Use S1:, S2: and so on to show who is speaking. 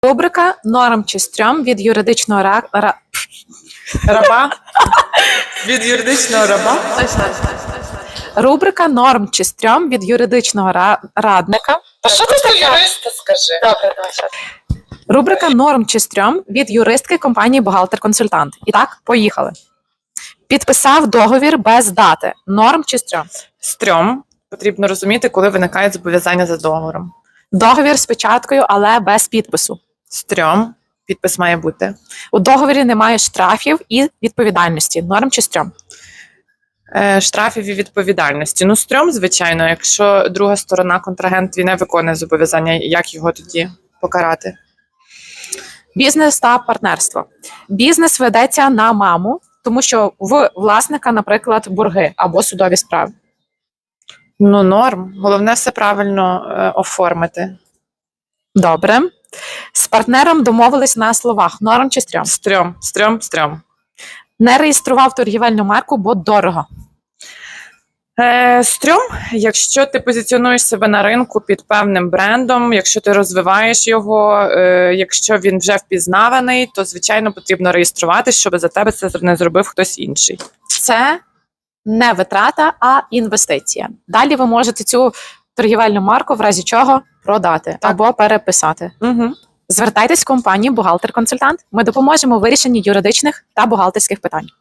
S1: Рубрика «Норм чи стрьом» від юридичного
S2: Раба? Від юридичного раба?
S1: Рубрика «Норм чи стрьом» від юридичного радника.
S2: А що ти таке? Юриста скажи.
S1: Добре, давай. Рубрика «Норм чи стрьом» від юристки компанії «Бухгалтер-консультант». І так, поїхали. Підписав договір без дати. Норм чи стрьом?
S2: Стрьом. Потрібно розуміти, коли виникають зобов'язання за договором.
S1: Договір з печаткою, але без підпису.
S2: Стрьом. Підпис має бути.
S1: У договорі немає штрафів і відповідальності. Норм чи стрьом?
S2: Штрафів і відповідальності. Ну, стрьом, звичайно, якщо друга сторона, контрагент, він не виконує зобов'язання, як його тоді покарати?
S1: Бізнес та партнерство. Бізнес ведеться на маму, тому що в власника, наприклад, борги або судові справи.
S2: Ну, норм. Головне все правильно оформити.
S1: Добре. З партнером домовились на словах. Норм чи стрьом?
S2: Стрьом, стрьом, стрьом.
S1: Не реєстрував торгівельну марку, бо дорого.
S2: Стрьом, якщо ти позиціонуєш себе на ринку під певним брендом, якщо ти розвиваєш його, якщо він вже впізнаваний, то, звичайно, потрібно реєструватись, щоб за тебе це не зробив хтось інший.
S1: Це не витрата, а інвестиція. Далі ви можете цю торгівельну марку в разі чого продати або переписати.
S2: Угу.
S1: Звертайтесь в компанію «Бухгалтер-консультант». Ми допоможемо у вирішенні юридичних та бухгалтерських питань.